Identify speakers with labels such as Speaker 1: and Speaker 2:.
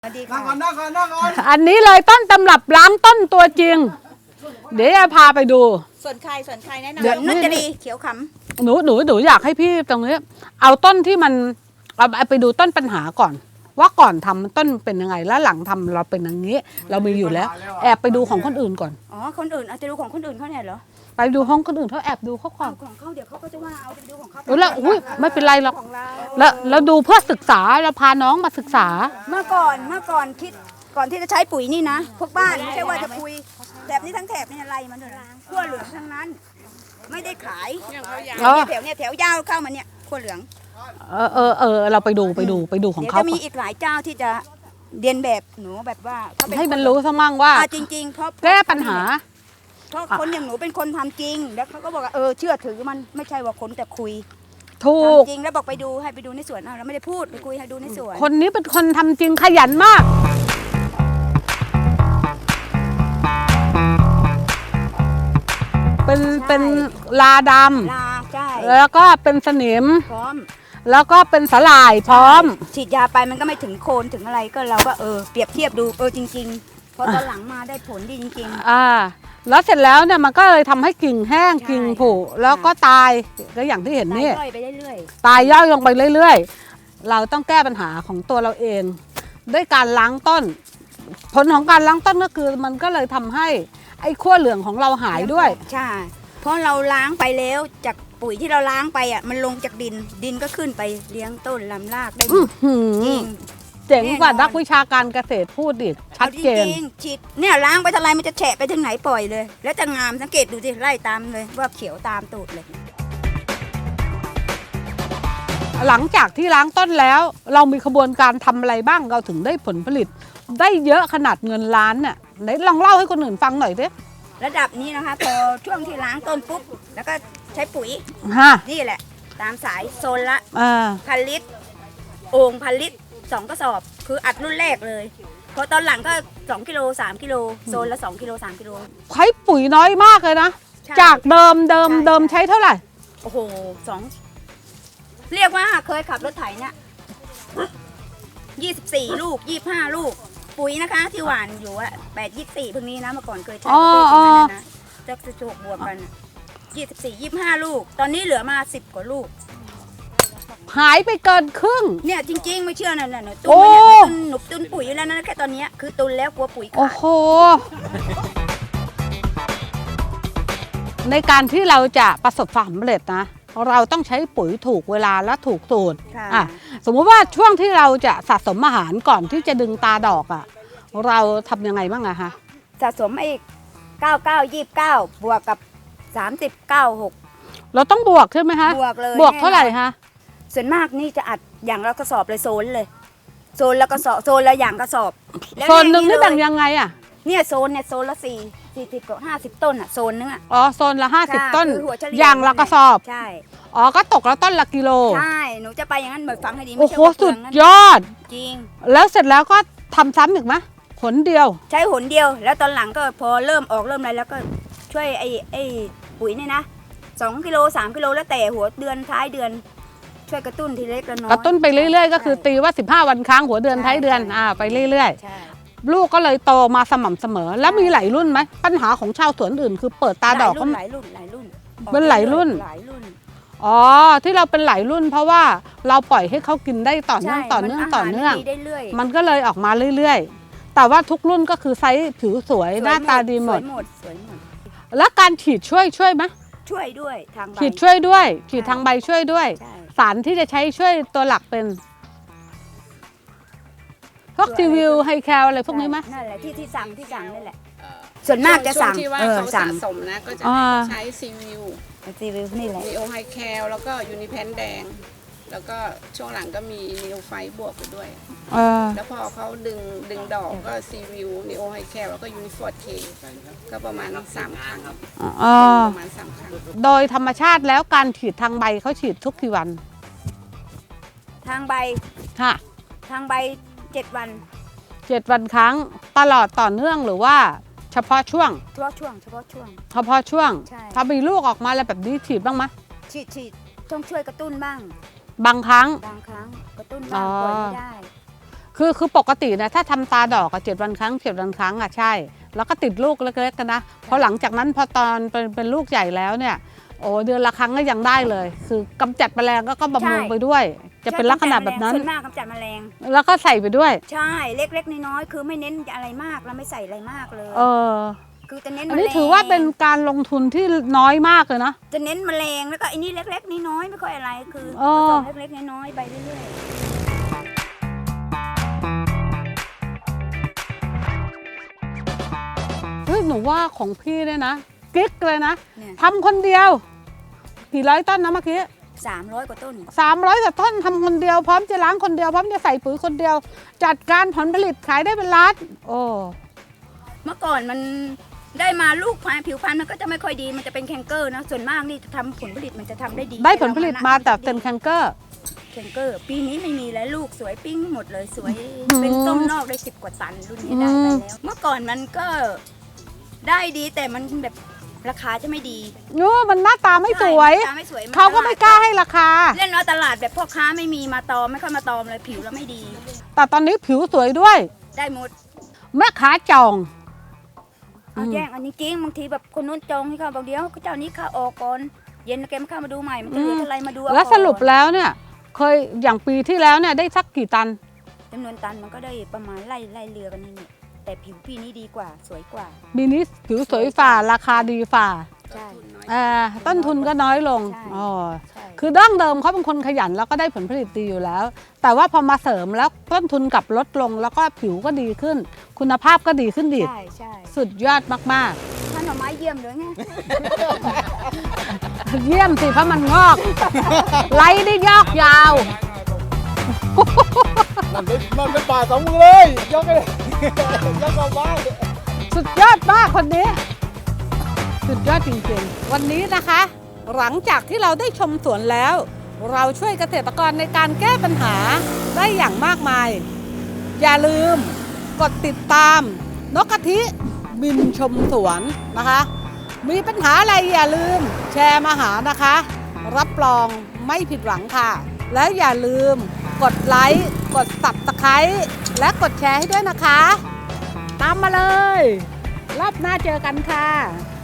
Speaker 1: สวัสดี
Speaker 2: นั่
Speaker 1: ค่ะ
Speaker 2: งก่อนนั่งก่อนนั่งก่อน
Speaker 3: อันนี้เลยต้นตำรับล้างต้นตัวจริง เดี๋ยวจะพาไปดู
Speaker 1: ส่วนใครแนะนำ
Speaker 3: เดี๋ยว
Speaker 1: นุชจรีเขียวข
Speaker 3: หนูอยากให้พี่ตรงนี้ เอาต้นที่มันเอาไปดูต้นปัญหาก่อน ว่าก่อนทำต้นเป็นยังไงแล้วหลังทำเราเป็นอย่างนี้ เรามีอยู่แล้ว แอบไปดูของคนอื่นก่อน
Speaker 1: ำอ๋อคนอื่นเอาจะดูของคนอื่นเขาเนี่ยเหรอ
Speaker 3: ไปดูห้องคนอื่นเขาแอบดูเขาก่อ
Speaker 1: เอา
Speaker 3: น
Speaker 1: ของเขาเดี๋ยวเขาก็จะว่าเอาไปดูของเขา
Speaker 3: แล้วอุ้ยไม่เป็นไรหรอก
Speaker 1: ของเรา
Speaker 3: แล้วดูเพื่อศึกษาเราพาน้องมาศึกษา
Speaker 1: เมื่อก่อนคิดก่อนที่จะใช้ปุ๋ยนี่นะพวกบ้านไม่ใช่ว่าจะคุยแถบนี้ทั้งแถบนี่อะไรมันเลยขั้วเหลืองทั้งนั้น ไม่ได้ขาย
Speaker 3: อ๋อ
Speaker 1: แถวเนี่ยแถวยาวเข้ามาเนี่ยขั้วเหลือง
Speaker 3: เราไปดูของ
Speaker 1: เดี๋ยว
Speaker 3: เขา
Speaker 1: จะมีอีกหลายเจ้าที่จะเรียนแบบหนูแบบว่าเขาเป็น
Speaker 3: ให้มันรู้ซะมั่งว่า
Speaker 1: จริงๆเพราะ
Speaker 3: แก้ปัญหา
Speaker 1: เพราะคนอย่างหนูเป็นคนทำจริง แล้วเขาก็บอกว่าเชื่อถือมันไม่ใช่ว่าคนแต่คุย
Speaker 3: ถูก
Speaker 1: ทำจริงแล้วบอกไปดูให้ไปดูในสวนเราไม่ได้พูดไปคุยให้ดูในสวน
Speaker 3: คนนี้เป็นคนทำจริงขยันมาก เป็นลาด
Speaker 1: ลาใช่
Speaker 3: ำแล้วก็เป็นสนิม
Speaker 1: พร้อม
Speaker 3: แล้วก็เป็นสลายพร้อม
Speaker 1: ฉีดยาไปมันก็ไม่ถึงโคนถึงอะไรก็เราก็เปรียบเทียบดูจริงๆพอตอนหลังมาได้ผลดีจริง
Speaker 3: แล้วเสร็จแล้วเนี่ยมันก็เลยทำให้กิ่งแห้ง
Speaker 1: ใช่
Speaker 3: กิ่งผุแล้วก็ตายก็อย่างที่เห็น
Speaker 1: ๆ
Speaker 3: นี่
Speaker 1: ย่อยไปเรื่อย
Speaker 3: ตายย่อยลงไปเรื่อยๆ เราต้องแก้ปัญหาของตัวเราเอง ด้วยการล้างต้น ผลของการล้างต้นก็คือมันก็เลยทำให้ไอ้ขั้วเหลืองของเราหายด้วย
Speaker 1: ใช่เพราะเราล้างไปแล้วจากปุ๋ยที่เราล้างไปมันลงจากดินก็ขึ้นไปเลี้ยงต้นลำรากได้หม
Speaker 3: อื้อ
Speaker 1: ด
Speaker 3: หือ
Speaker 1: จริง
Speaker 3: เจ๋งกว่า
Speaker 1: แน่นอน
Speaker 3: นักวิชาการเกษตรพูดอีกชัดเจน
Speaker 1: อาจริงๆฉีดเนี่ยล้างไปเท่าไรมันจะแฉะไปถึงไหนปล่อยเลย แล้วจะงามสังเกตดูสิไล่ตามเลยว่าเขียวตามตูดเลย
Speaker 3: หลังจากที่ล้างต้นแล้ว เรามีขบวนการทำอะไรบ้างเราถึงได้ผลผลิต ได้เยอะขนาดเงินล้านเนี่ยไหนลองเล่าให้คนอื่นฟังหน่อยสิ
Speaker 1: ระดับนี้นะคะพอช่วงที่ล้างต้นปุ๊บแล้วก็ใช้ปุ๋ย
Speaker 3: ฮะ
Speaker 1: นี่แหละ ตามสายโซนละ
Speaker 3: อ่า
Speaker 1: 1,000 ลิตรโอ่ง1,000 ลิตร2กระสอบ คืออัดรุ่นแรกเลยพอตอนหลังก็2กิโล3กิโลโซนละ2กิโล3กิโล
Speaker 3: ใช้ปุ๋ยน้อยมากเลยนะ
Speaker 1: ใช่
Speaker 3: จากเดิม
Speaker 1: ใช่
Speaker 3: ใช้เท่าไหร่
Speaker 1: โอ้โหเรียกว่าเคยขับรถไถเนี่ย24 ลูก25 ลูก ปุ๋ยนะคะ ที่หวานอยู่อะ8 24เพิ่งนี้นะเมื่อก่อนเคยใช้ประเภทอย่างนั้นนะจะ16บวกกัน24 25 ลูก ตอนนี้เหลือมา10 กว่าลูก
Speaker 3: หายไปเกินครึ่ง
Speaker 1: เนี่ยจริงๆไม่เชื่อน่ะตุน
Speaker 3: โอ้
Speaker 1: เนี่ยหนุบตุนปุ๋ยอยู่แล้วนะแค่ตอนเนี้ยคือตุนแล้วกลัวปุ๋ย
Speaker 3: โอ้
Speaker 1: ขาด
Speaker 3: โห ในการที่เราจะประสบความสำเร็จนะ เราต้องใช้ปุ๋ยถูกเวลาและถูกสูตร
Speaker 1: ค่ะ
Speaker 3: อ่ะสมมุติว่าช่วงที่เราจะสะสมอาหารก่อนที่จะดึงตาดอกอ่ะ เราทำยังไงบ้างอะคะ
Speaker 1: สะสมไอ้99 29บวกกับ30 96
Speaker 3: เราต้องบวกใช่ไหมคะ
Speaker 1: บวกเลย
Speaker 3: บวกเท่าไหร่คะ
Speaker 1: ส่วนมากนี่จะอัดอย่างละกระสอบเลยโซนเลยโซนละกระสอบโซนละอย่างกระสอบแล้ว
Speaker 3: โซนหนึ่งนี่
Speaker 1: เลย
Speaker 3: แบ่งยังไงอะ
Speaker 1: เนี่ยโซนละ40กับ50 ต้นอ่ะโซนนึงอ่ะ
Speaker 3: อ๋อโซนละ
Speaker 1: ใช่
Speaker 3: 50 ต้น
Speaker 1: คือหัวเฉลี่
Speaker 3: อย่างละกระสอบ
Speaker 1: ใช่
Speaker 3: อ๋อก็ตกแล้วต้นละกิโล
Speaker 1: ใช่หนูจะไปอย่างนั้นเหมือนฟังให้ดีไม่
Speaker 3: โอ้
Speaker 1: ใช่
Speaker 3: โห
Speaker 1: ว่าเปลื
Speaker 3: สุ
Speaker 1: อ
Speaker 3: ด
Speaker 1: งนั้น
Speaker 3: ยอด
Speaker 1: จริง
Speaker 3: แล้วเสร็จแล้วก็ทำซ้ำอีกไหมผลเดียว
Speaker 1: ใช้หนเดียว แล้วตอนหลังก็พอเริ่มอะไรแล้วก็ช่วยไอ้ปุ๋ยเนี่ยนะ2 กิโล3 กิโลแล้วแต่หัวเดือนท้ายเดือน ช่วยกระตุ้นทีเล็กละน้อย
Speaker 3: กระตุ้นไปเรื่อยๆ ก็คือตีว่า 15 วันครั้งหัวเดือน
Speaker 1: ใช่
Speaker 3: ท้ายเดือน
Speaker 1: ใช่
Speaker 3: ไปเรื่อย
Speaker 1: ใช่
Speaker 3: ๆ ลูกก็เลยโตมาสม่ำเสมอ แล้วมีหลายรุ่นไหมปัญหาของชาวสวนอื่นคือเปิดตาดอกก็
Speaker 1: หลายรุ่น
Speaker 3: เป็นหลายรุ่น
Speaker 1: หลายรุ่น
Speaker 3: อ๋อที่เราเป็นหลายรุ่น เพราะว่าเราปล่อยให้เขากินได้ต่อเนื่อง
Speaker 1: ใช่
Speaker 3: ต่อเนื่อง
Speaker 1: มั
Speaker 3: ต่อเนื่อง
Speaker 1: าหารดีได้เรื่อย
Speaker 3: มันก็เลยออกมาเรื่อยๆ แต่ว่าทุกรุ่นก็คือไซส์ผิวสวยหน้าตาดีหมด
Speaker 1: สวยหมด
Speaker 3: แล้วการฉีดช่วยไหม
Speaker 1: ช่วยด้วยทางใบ
Speaker 3: ฉีดช่วยด้วยฉีดทางใบช่วยด้วย
Speaker 1: ใช่
Speaker 3: สารที่จะใช้ช่วยตัวหลักเป็นพวกทีวิวไฮแคลอะไรพวกนี้ไหม
Speaker 1: นั่นแหละที่สั่งนั่นแหละ ส่วนมากจะสั่ง
Speaker 4: ช่วที่ว่าเขา
Speaker 1: สั่
Speaker 4: สะ
Speaker 1: ง
Speaker 4: สมนะก็จะ
Speaker 3: อ่า
Speaker 4: ใช้ซีวิว
Speaker 1: รีวิวนี่แหละ
Speaker 4: นีโอไฮแคลแล้วก็ยูนิแพนแดง แล้วก็ช่วงหลังก็มีนีโอไฟบวกไปด้วย
Speaker 3: เออ
Speaker 4: แล้วพอเขาดึงดอกก็ซีวิวนีโอไฮแคลแล้วก็ยูนิฟอร์ดเคก็ประมาณ3 ครั้ง
Speaker 3: อ๋อ
Speaker 4: ประมาณ3 ครั้ง
Speaker 3: โดยธรรมชาติแล้วการฉีดทางใบเขาฉีดทุกกี่วัน
Speaker 1: ทางใบ
Speaker 3: ค่ะ
Speaker 1: ทางใบ7 วัน
Speaker 3: 7 วันครั้งตลอดต่อเนื่องหรือว่าเฉพาะช่วง
Speaker 1: เฉพาะช่วง
Speaker 3: เฉพาะช่วง
Speaker 1: ใช่
Speaker 3: ถ้ามีลูกออกมาอะไรแบบนี้ฉีดบ้างไหม
Speaker 1: ฉีดต้องช่วยกระตุ้นบ้าง
Speaker 3: บางครั้ง
Speaker 1: บางครั้งกระตุ้น
Speaker 3: อ๋
Speaker 1: บ้าง
Speaker 3: อ
Speaker 1: ปล่อยไม่ได้
Speaker 3: คือปกตินะถ้าทำตาดอกอะ7 วันครั้ง7 วันครั้งอะใช่ แล้วก็ติดลูกเล็กๆกันนะพอหลังจากนั้นพอตอนเป็นลูกใหญ่แล้วเนี่ยโอ้เดือนละครั้งก็ยังได้เลย คือกำจัดแมลงก็บำรุงไปด้วย จะเป็นลักษณะแบบนั้น
Speaker 1: ส่วนมากกำจัดแมลง
Speaker 3: แล้วก็ใส่ไปด้วย
Speaker 1: ใช่เล็กๆน้อยๆคือไม่เน้นอะไรมากเราไม่ใส่อะไรมากเลย
Speaker 3: เออ
Speaker 1: คือจะเน้น
Speaker 3: อันนี้
Speaker 1: แมลง
Speaker 3: ถือว่าเป็นการลงทุนที่น้อยมากเลยนะ
Speaker 1: จะเน้นแมลงแล้วก็ไอ้นี่เล็กๆน้อยๆไม่ค่อยอะไรคือ
Speaker 3: อ๋อ
Speaker 1: ผสมเล็กๆน้อยๆไปเรื่อย
Speaker 3: เฮ้ยหนูว่าของพี่เนี่ยนะกิ๊กเลยนะ
Speaker 1: ๆเนี่ย
Speaker 3: ทำคนเดียวกี่ร้อยต้นนะเมื่อกี้
Speaker 1: 300 กว่าต้น
Speaker 3: 300 กว่าต้นทำคนเดียวพร้อมจะล้างคนเดียวพร้อมจะใส่ปุ๋ยคนเดียว จัดการผลผลิตขายได้เป็นล้านโอ้
Speaker 1: เมื่อก่อนมันได้มาลูกผิวพรรณมันก็จะไม่ค่อยดีมันจะเป็นแคนเกอร์นะส่วนมากนี่ทำผลผลิตมันจะทำได้ดี
Speaker 3: ได้ผลผลิตมาแต่เป็นแคนเกอร์
Speaker 1: แคนเกอร์ปีนี้ไม่มีแล้วลูกสวยปิ้งหมดเลยสวย
Speaker 3: อืม
Speaker 1: เป็นต้มนอกได้10 กว่าตันรุ่นนี้ได้ไปแล้วเมื่อก่อนมันก็ได้ดีแต่มันแบบราคาจะไม่ดี
Speaker 3: โอ้มันหน้าตาไม่สวย
Speaker 1: ใช่หน้าตาไม่สวย
Speaker 3: เขาก็ไม่กล้าให้ราคา
Speaker 1: เล่นว่าตลาดแบบพ่อค้าไม่มีมาตอมไม่ค่อยมาตอมเลยผิวแล้วไม่ดี
Speaker 3: แต่ตอนนี้ผิวสวยด้วย
Speaker 1: ได้หมด
Speaker 3: แม่ค้าจอง
Speaker 1: เอาแย่งอันนี้จริงบางทีแบบคนนู้นจองให้เขาบอกเดี๋ยวเจ้านี้เข้าออกก่อนเย็นแกมาเข้ามาดูใหม่มันจะเหลือเท่าไรมาดูเอา
Speaker 3: แล้วสรุป
Speaker 1: ก่อน
Speaker 3: แล้วเนี่ย เคยอย่างปีที่แล้วเนี่ยได้สักกี่ตัน
Speaker 1: จำนวนตันมันก็ได้ประมาณไล่เรือกันนี่เนี่ยแต่ผิวพี่นี้ดีกว่าสวยกว่า
Speaker 3: ปีนี้ผิวสวยฝ่าราคาดีฝ่า
Speaker 1: ใช่
Speaker 3: ต้นทุนก็น้อยลง
Speaker 1: ใช่
Speaker 3: อ๋อ
Speaker 1: ใช่
Speaker 3: คือดั้งเดิมเขาเป็นคนขยันแล้วก็ได้ผลผลิตดีอยู่แล้ว แต่ว่าพอมาเสริมแล้วต้นทุนกลับลดลงแล้วก็ผิวก็ดีขึ้น คุณภาพก็ดีขึ้นอีก
Speaker 1: ใช่ใช่
Speaker 3: สุดยอดมาก
Speaker 1: ท่านหน่อไม้เยี่ยมเลยไง
Speaker 3: ๆ เยี่ยมสิเพราะมันงอก ไล่ได้ยอกยาว
Speaker 2: มันเป็นป่าสองมือเลยยกเลยยกเอาบ้าน
Speaker 3: สุดยอดมากคนนี้ สุดยอดจริงๆ วันนี้นะคะ หลังจากที่เราได้ชมสวนแล้ว เราช่วยเกษตรกรในการแก้ปัญหาได้อย่างมากมาย อย่าลืมกดติดตามนกกะทิบินชมสวนนะคะ มีปัญหาอะไรอย่าลืมแชร์มาหานะคะ รับรองไม่ผิดหวังค่ะ แล้วอย่าลืมกดไลค์กด Subscribe และกดแชร์ให้ด้วยนะคะ ตามมาเลย รอบหน้าเจอกันค่ะ